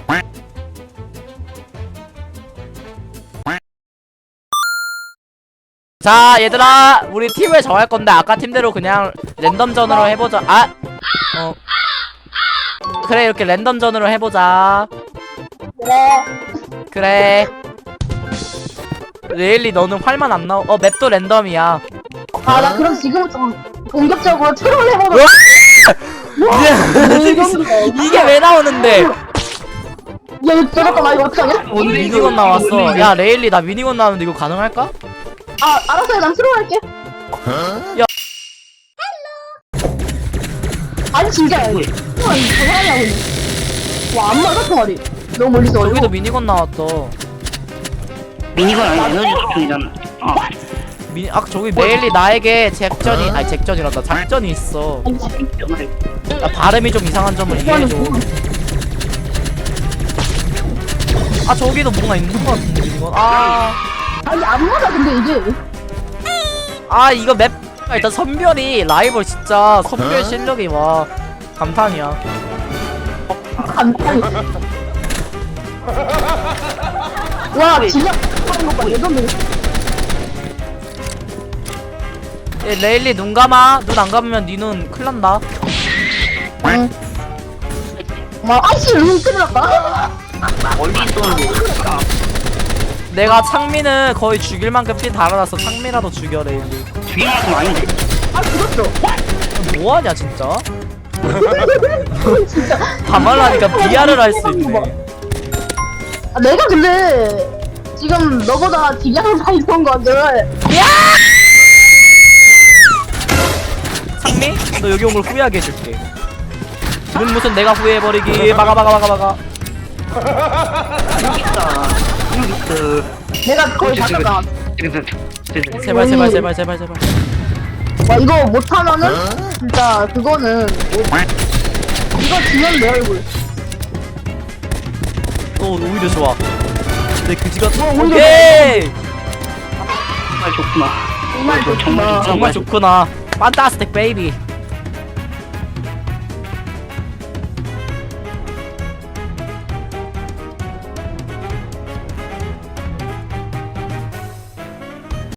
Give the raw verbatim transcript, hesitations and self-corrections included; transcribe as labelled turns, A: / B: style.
A: 자 얘들아 우리 팀을 정할 건데 아까 팀대로 그냥 랜덤전으로 해보자. 아! 어 그래 이렇게 랜덤전으로 해보자.
B: 그래.
A: 그래 레일리 너는 활만 안 나오. 어 맵도 랜덤이야.
B: 아, 나 그럼 지금부터 본격적으로 트롤 해보자.
A: 이게 왜 나오는데?
B: 야, 이거 잠깐만, 이거 어떡하냐?
A: 미니건 나왔어. 야 레일리 나 미니건 나왔는데 이거 가능할까?
B: 아, 알았어요. 난 트롤 할게.
A: 야.
B: 아니, 진짜. 와, 이거 장난이야, 근데. 와, 안 맞아, 총알이. 너무 멀리서
A: 저기도
B: 어려워.
A: 미니건 나왔어.
C: 미니건 아니 에너지 소총이잖아. 어.
A: 미니 아 저기 레일리 나에게 잭전이 아니 잭전이란다 작전이 있어.
B: 아니, 진짜.
A: 나 발음이 좀 이상한 점을 이해해줘. 아 저기도 뭔가 있는 것 같은데 미니건. 아,
B: 아니, 안 맞아, 근데 이게.
A: 아 이거 맵 일단 선별이 라이벌 진짜 선별 실력이 와 감탄이야.
B: 간단히. 와, 진짜 하는 거 봐. 예전에.
A: 예, 레일리 눈 감아. 눈 안 감으면 니 눈 큰일 난다.
B: 응. 와, 아이씨, 눈 큰일 났다.
C: 멀리 쏘는데. 아,
A: 내가 창민을 거의 죽일 만큼 피 달아놨어. 창민이라도 죽여 레일리.
C: 죽일 만큼 아닌데.
B: 아, 죽었어.
A: 뭐하냐 진짜.
B: 진짜.
A: 가말라니까 비아를 할 수 있네.
B: 아, 내가 근데 지금 너보다 딜량을 많이 본 거들.
A: 창민? 너 여기 온 걸 후회하게 해줄게. 눈 무슨 내가 후회해버리기. 막아 막아 막아 막아.
C: 여기 있다. 여기 있어.
B: 내가 거의 다 깎아.
C: 제발
A: 제발 제발 제발 제발 제발.
B: 와, 이거 못하면은 진짜 그거는 이거 지면 내 얼굴.
A: 너 오히려 좋아. 내 그지가
B: 오히려
A: 오케이.
C: 정말 좋구나.
B: 정말 좋구나.
A: 정말 좋구나. 판타스틱 베이비.